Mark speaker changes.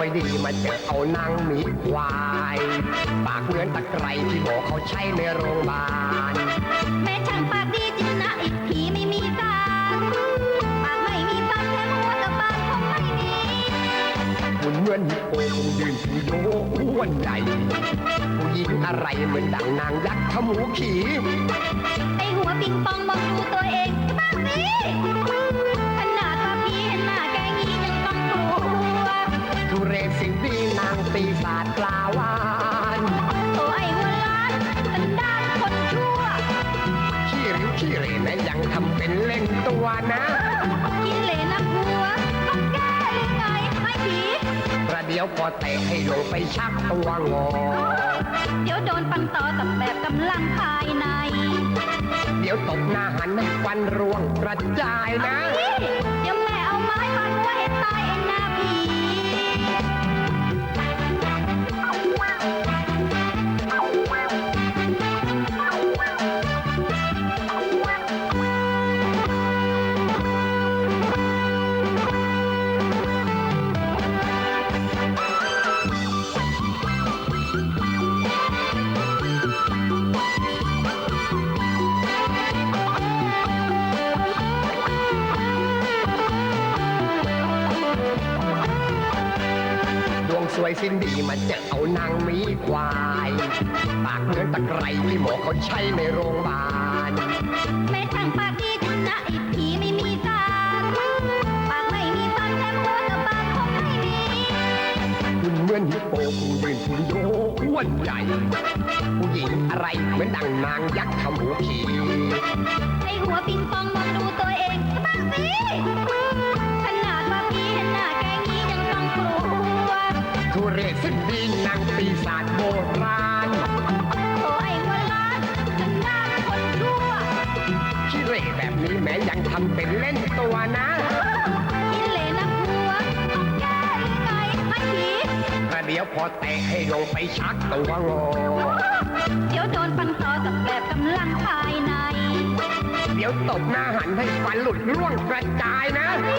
Speaker 1: ดีมาเจอเอานางหมีควายปากเหมือนตะไคร้ที่บอกเขาใช้ในโรงพยาบาล
Speaker 2: แม่ช่างปากดีจริงนะอีกทีไม่มีการปากไม่มีฟันแถมหัวกับปากคงไม่มี
Speaker 1: หุ่นเหมือนฮิปโปคงยืนถือโยอ้วนใหญ่ผู้หญิงอะไรเหมือนดังนางยักษ์ขมูขี่
Speaker 2: ไอหัวปิงปองมองดูตัวเองบ้างสิขนาดว่าพี่เห็นหน้าแกงี้ยังต้องกลัว
Speaker 1: ทุเรศสิ่งดีนางปีศาจปลาวาน
Speaker 2: โอ้ไอหัวล้านสันดานคนชั่ว
Speaker 1: ขี้ริ้วขี้เรนะยังทำเป็นเล่นตัวนะ
Speaker 2: กินเหลนักหัวต้องแก้ยังไงให้ผี
Speaker 1: ประเดี๋ยวพอเตะให้ลงไปชักตัวงอ
Speaker 2: เดี๋ยวโดนปังต่อตับแบบกำลังภายใน
Speaker 1: เดี๋ยวตบหน้าหันให้ฟันร่วงกระจายนะ
Speaker 2: เดี๋ยวแม่เอาไม้ฟาดหัวให้ตายเองนะพี่
Speaker 1: สวยสิ้นดีมาเจอเอานางหมีควายปากเหมือนตะไคร้ที่หมอเขาใช้ในโรงพยาบาล
Speaker 2: แม่ช่างปากดีจริงนะอีกทีไม่มีการปากไม่มีฟันแถมหัวกับปากคงไม่มี
Speaker 1: หุ่นเหมือนฮิปโปคงยืนถือโยอ้วนใหญ่ผู้หญิงอะไรเหมือนดังนางยักษ์ขมูขี่
Speaker 2: ไอหัวปิงปองมองดูตัวเองบ้างสิขนาดว่าพี่เห็นหน้าแกงี้ยังต้องกลัว
Speaker 1: ทุเรศสิ้นดีนางปีศาจโบราณ
Speaker 2: โอ้ไอหัวล้านสันดานคนชั่ว
Speaker 1: ขี้เหร่แบบนี้แม้ยังทำเป็นเล่นตัวนะ
Speaker 2: กินเหลนักหัวต้องแก้ยังไงให้ผี
Speaker 1: ประเดี๋ยวพอเตะให้ลงไปชักตัวงอ
Speaker 2: เดี๋ยวโดนปังต่อตับแบบกำลังภายใน
Speaker 1: เดี๋ยวตบหน้าหันให้ฟันหลุดร่วงกระจายนะ